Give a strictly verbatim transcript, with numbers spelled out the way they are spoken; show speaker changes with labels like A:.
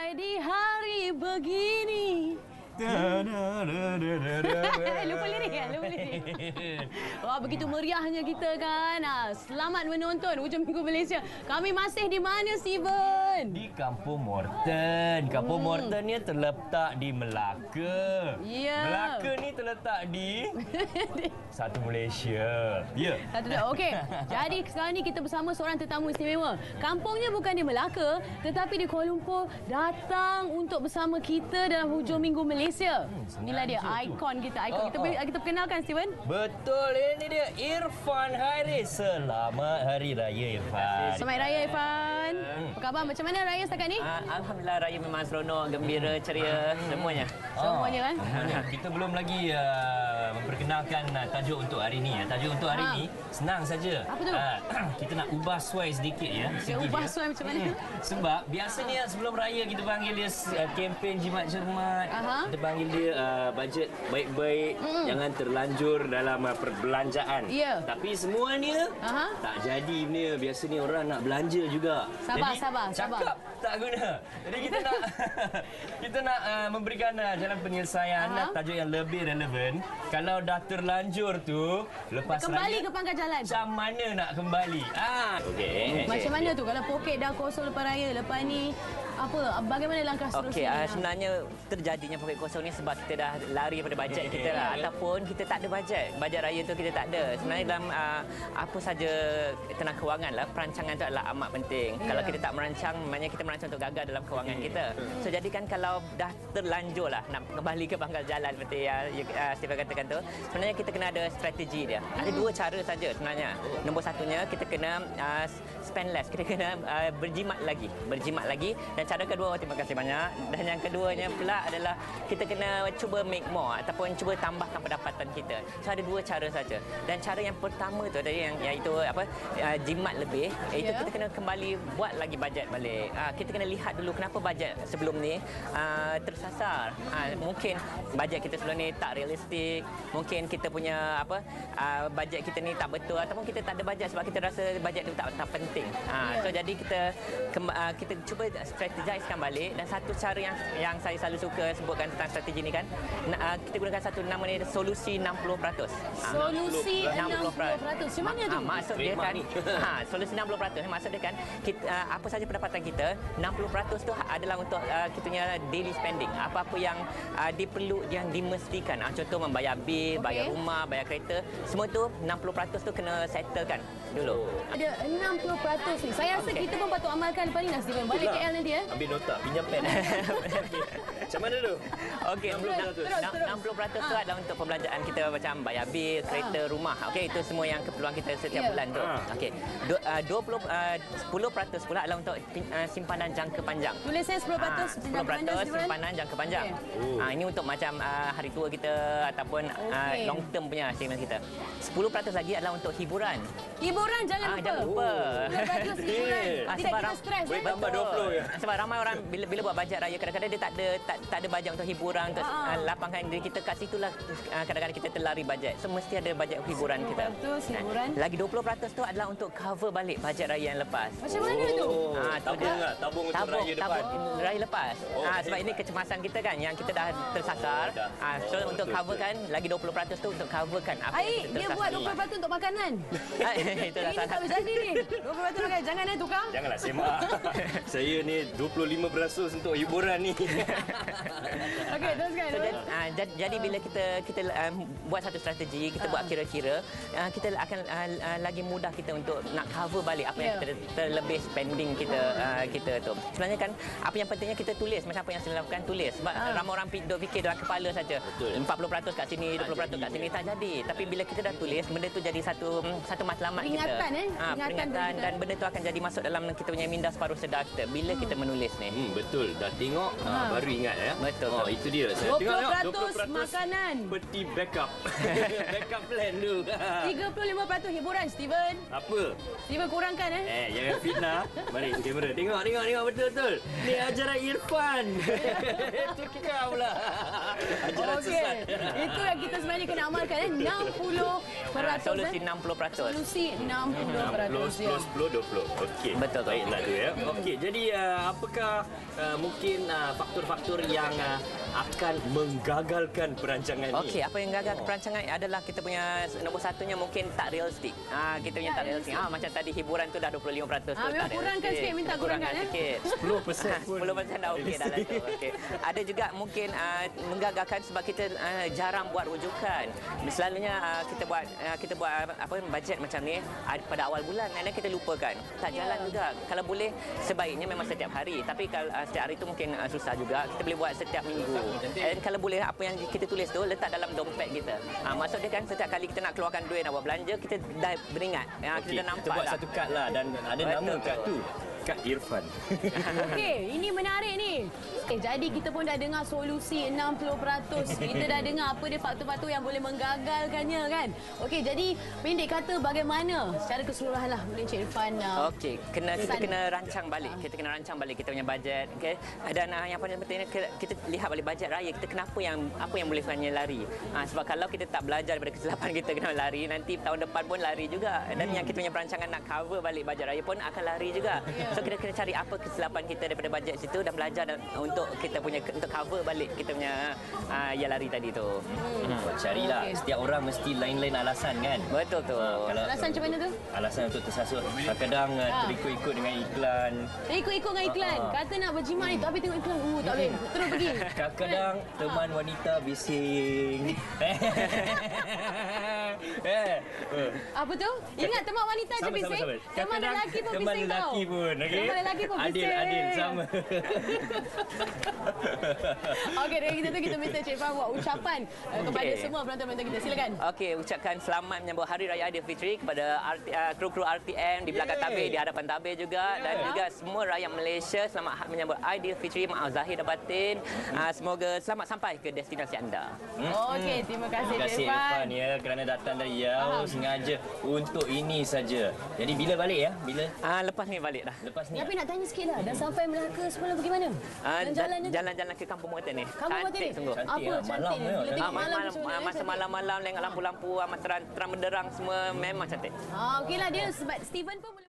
A: di hari begini. Lupa lirik kan? Lupa lirik. Wah, begitu meriahnya kita kan. Selamat menonton Hujung Minggu Malaysia. Kami masih di mana, Steven?
B: Di Kampung Morton. Kampung
A: Hmm.
B: Morton ni terletak di Melaka.
A: Ya.
B: Melaka ni terletak di satu Malaysia. Ya.
A: Satu dah. Okey. Jadi sekarang ni kita bersama seorang tetamu istimewa. Kampungnya bukan di Melaka, tetapi di Kuala Lumpur, datang untuk bersama kita dalam Hujung Minggu Malaysia.
B: Hmm,
A: Inilah dia ikon kita, ikon.
B: Oh,
A: kita
B: oh.
A: kita perkenalkan, Steven.
B: Betul, ini dia Irfan Haris. Selamat Hari Raya, Irfan.
A: Selamat Raya, Irfan. Apa khabar? Macam mana Raya setakat ni?
C: Uh, Alhamdulillah, Raya memang seronok, gembira, ceria, semuanya.
A: Semuanya kan?
B: Ah, kita belum lagi uh, memperkenalkan uh, tajuk untuk hari ini. Ya. Tajuk untuk hari
A: Ha.
B: ini senang saja.
A: Apa tu?
B: Uh, kita nak ubah suai sedikit ya.
A: Dia
B: segi
A: ubah
B: dia.
A: suai macam mana?
B: Hmm. Sebab biasanya sebelum raya kita panggil dia uh, kempen jimat cermat.
A: Aha.
C: Kita panggil dia uh, bajet baik-baik,
A: Mm.
C: jangan terlanjur dalam uh, perbelanjaan.
A: Ya.
C: Tapi semuanya
A: Aha.
C: tak jadi benda. Biasanya orang nak belanja juga.
A: Sabar,
B: Jadi,
A: sabar, sabar.
B: Cakap tak guna. Jadi kita nak kita nak uh, memberikan uh, jalan penyelesaian
A: Aha.
B: uh, tajuk yang lebih relevan. Kalau dah terlanjur tu lepas
A: Kembali
B: raya
A: ke pangkal jalan.
B: macam mana nak kembali? Ah,
C: Okey.
A: Macam mana tu kalau poket dah kosong lepas raya, lepas ni apa, bagaimana langkah
C: Okey,
A: seterusnya?
C: uh, sebenarnya terjadinya poket kosong ni sebab kita dah lari pada bajet kita lah, ataupun kita tak ada bajet. Bajet raya tu kita tak ada. Sebenarnya dalam uh, apa saja tenang kewangan lah, perancangan tu adalah amat penting.
A: Ya.
C: Kalau kita tak merancang, maknanya kita merancang untuk gagal dalam kewangan kita. So jadi kan kalau dah terlanjur lah nak kembali ke pangkal jalan seperti yang uh, Stephen katakan tu, sebenarnya kita kena ada strategi dia. Ada dua cara saja sebenarnya. Nombor satunya kita kena uh, spend less, kita kena uh, berjimat lagi, berjimat lagi. Dan cara kedua, terima kasih banyak. Dan yang keduanya pula adalah kita kena cuba make more ataupun cuba tambahkan pendapatan kita. So ada dua cara saja. Dan cara yang pertama tu tadi yang iaitu apa uh, jimat lebih, iaitu
A: Ya.
C: kita kena kembali buat lagi bajet balik. Uh, kita kena lihat dulu kenapa bajet sebelum ni uh, tersasar. Uh, mungkin bajet kita sebelum ni tak realistik, mungkin kita punya apa uh, bajet kita ni tak betul, ataupun kita tak ada bajet sebab kita rasa bajet tu tak tak penting. Uh,
A: Ya.
C: So jadi kita kemba- uh, kita cuba strategisekan balik. Dan satu cara yang yang saya selalu suka sebutkan tentang strategi ni kan, uh, kita gunakan satu nama ni solusi enam puluh peratus. Ah,
A: Solusi enam puluh peratus. Macam mana tu?
C: Ah, maksud dia kan, ha, solusi enam puluh peratus. Maksud dia kan, kita, uh, apa saja pendapatan kita, enam puluh peratus tu adalah untuk uh, kita punya daily spending. Apa-apa yang uh, diperlu, yang dimestikan. Uh, contoh membayar bil, bayar
A: Okey.
C: rumah, bayar kereta. Semua tu enam puluh peratus tu kena settlekan dulu.
A: Ada enam puluh peratus ni. Saya rasa
C: Okey.
A: kita pun patut amalkan lepas ni, Steven. Balik K L nanti ya.
B: ambil nota, pinjam pen. Macam mana tu?
C: Okey,
A: Terus, terus, terus.
C: enam puluh peratus tu
A: Ha.
C: adalah untuk perbelanjaan kita macam bayar bil, kereta, rumah. Okey, itu semua yang keperluan kita setiap
A: Ya.
C: bulan tu.
B: Ha.
C: Okey. Du- uh, dua puluh uh, sepuluh peratus pula adalah untuk pin- uh, simpanan jangka panjang.
A: Tulis saya sepuluh peratus.
C: Ah, sepuluh peratus simpanan jangka panjang.
A: Okey.
C: Ah, ini untuk macam uh, hari tua kita ataupun uh,
A: Okey.
C: long term punya savings kita. sepuluh peratus lagi adalah untuk hiburan.
A: Hiburan jangan
C: Ah,
A: lupa.
C: jangan lupa.
A: sepuluh peratus hiburan.
C: Ah,
A: Tidak
C: sebab
A: kita
C: ram-
A: stres.
B: boleh
A: eh.
B: tambah dua puluh ya.
C: Sebab ramai orang bila bila buat bajet raya kadang-kadang dia tak ada tak, tak ada bajet untuk hiburan, untuk
A: Ah.
C: uh, lapangkan diri kita kat situlah uh, kadang-kadang kita terlari bajet. So mesti ada bajet hiburan kita.
A: sepuluh peratus hiburan.
C: Lagi dua puluh peratus tu adalah untuk cover balik bajet raya yang lepas.
A: Macam mana tu?
B: Oh,
C: Ah, tu
B: tabung
C: dia.
B: lah, tabung untuk
C: tabung,
B: raya depan.
C: tabung raya lepas.
B: Oh,
C: ah, sebab
B: hebat.
C: ini kecemasan kita kan yang kita dah tersasar.
B: Oh, dah.
C: Ah, so
B: Oh,
C: untuk
B: betul,
C: coverkan lagi dua puluh peratus tu untuk coverkan apa
A: Aik,
C: yang
A: dia
C: kita
A: buat
C: tersasar.
A: dua puluh peratus untuk makanan.
C: Ah, itu dah
A: Ini
C: salah.
A: tak berjadi ni. dua puluh peratus pakai. Jangan eh tukang.
B: Janganlah semak. Saya ni dua puluh lima peratus untuk hiburan ni.
A: Okey, teruskan.
C: So, jadi, uh, jadi, jadi bila kita kita um, buat satu strategi, kita
A: Ah.
C: buat kira-kira, uh, kita akan uh, uh, lagi mudah kita untuk nak cover balik apa yang
A: Ya.
C: kita terlebih spending kita uh, kita tu. Sebenarnya kan apa yang pentingnya kita tulis macam apa yang saya lakukan, tulis. Sebab
A: Ah.
C: ramai orang pi- duk fikir dalam kepala saja.
B: Betul.
C: empat puluh peratus kat sini, dua puluh peratus kat sini tak jadi. Tapi bila kita dah tulis, benda tu jadi satu satu matlamat kita.
A: Peringatan, eh?
C: Ah,
A: Peringatan
C: peringatan
A: bagi kita.
C: dan benda tu akan jadi masuk dalam kita punya minda separuh sedar kita bila kita menulis ni.
B: Hmm, betul. Dah tengok,
A: Ha.
B: ha. baru ingat ya.
C: Betul.
B: Oh, itu dia. Saya
A: dua puluh
B: tengok,
A: peratus makanan.
B: Peti backup. backup plan tu.
A: tiga puluh lima peratus hiburan, Steven.
B: Apa?
A: Steven kurangkan eh.
B: Eh, jangan fitnah. Mari tu kamera. Tengok, tengok, tengok betul-betul. Ni ajaran Irfan. Tukar pula. Ajaran
A: Okey.
B: sesat.
A: Itu yang kita sebenarnya kena amalkan eh. enam puluh
C: Ah,
A: peratus
C: solusi
A: eh.
C: enam puluh peratus.
A: Solusi enam puluh peratus.
B: sepuluh, sepuluh, dua puluh. Okey.
C: Betul, betul.
B: Baiklah tu ya. Okey, jadi uh, apakah uh, mungkin uh, faktor-faktor yang uh, akan menggagalkan perancangan ni?
C: Okey, apa yang gagal oh. perancangan adalah kita punya nombor satunya mungkin tak realistik. Ah, kita punya tak realistik. Ah, macam tadi hiburan tu dah dua puluh lima peratus tu.
A: Ah, memang kurangkan sikit, minta kurangkan eh.
C: Sikit.
B: sepuluh peratus pun.
C: sepuluh peratus dah okey dah lah tu. Okey. Ada juga mungkin uh, menggagalkan sebab kita uh, jarang buat rujukan. Selalunya uh, kita buat uh, kita buat apa bajet macam ni uh, pada awal bulan dan kita lupakan. Tak jalan yeah. juga. Kalau boleh sebaiknya memang setiap hari. Tapi kalau uh, setiap hari tu mungkin uh, susah juga. Kita boleh buat setiap minggu. Dan kalau boleh apa yang kita tulis tu letak dalam dompet kita. Ha, maksud dia kan setiap kali kita nak keluarkan duit nak buat belanja kita dah beringat. Ha,
B: okay,
C: kita dah nampak
B: kita buat
C: lah.
B: satu kad lah dan ada Betul. nama kad tu. Kad Irfan.
A: Okey, ini menarik ni. Eh, jadi kita pun dah dengar solusi enam puluh peratus. Kita dah dengar apa dia faktor-faktor yang boleh menggagalkannya kan. Okey, jadi pendek kata bagaimana secara keseluruhan lah boleh Encik Irfan. Uh,
C: Okey, kena kita kena rancang balik. Kita kena rancang balik kita punya bajet. Okey. Dan uh, yang paling penting kita lihat balik bajet raya kita kenapa yang apa yang boleh sebenarnya lari. Ha, sebab kalau kita tak belajar daripada kesilapan kita kena lari, nanti tahun depan pun lari juga. Dan yang kita punya perancangan nak cover balik bajet raya pun akan lari juga. Yeah. So kita kena cari apa kesilapan kita daripada bajet situ dan belajar dan, untuk kita punya untuk cover balik kita punya uh, yang lari tadi tu.
B: Hmm. Hmm. Carilah okay. Setiap orang mesti lain-lain alasan kan.
C: Betul tu.
B: Ha, kalau
A: alasan macam mana tu?
B: Alasan untuk tersasut. Kadang-kadang ha. terikut-ikut dengan iklan.
A: Terikut-ikut dengan iklan. Ha. Kata nak berjimat ni tapi tengok iklan. Uh, tak boleh. Terus pergi.
B: Kadang-kadang teman wanita bising. eh.
A: Apa tu? Ingat teman wanita je bising. Teman lelaki pun
B: teman
A: bising tau.
B: Teman lelaki pun. Okay?
A: Teman lelaki pun bising.
B: Adil, adil. Sama.
A: Okey, dari kita tu kita minta Encik Irfan buat ucapan okay. kepada semua penonton-penonton kita. Silakan.
C: Okey, ucapkan selamat menyambut Hari Raya Aidilfitri kepada R T, uh, kru-kru R T M di belakang tabir, di hadapan tabir juga yeah. dan juga semua rakyat Malaysia selamat menyambut Aidilfitri, maaf zahir dan batin. Uh, semoga selamat sampai ke destinasi anda.
A: Hmm. Okey, terima kasih
B: Terima kasih Irfan ya kerana datang dari Riau sengaja untuk ini saja. Jadi bila balik ya? Bila?
C: Ah, lepas ni balik dah.
B: Lepas ni.
A: Tapi nak tanya sikitlah, dah sampai Melaka semalam bagaimana?
C: Ah, jalan-jalan ke Kampung Motor ni.
A: Kampung Motor ni.
C: Sungguh.
A: Apa
B: ya,
A: cantik ni? Bila tengok malam
C: malam masa malam-malam dengan lampu-lampu amat terang, terang benderang semua memang cantik.
A: Ah, okeylah dia sebab Steven pun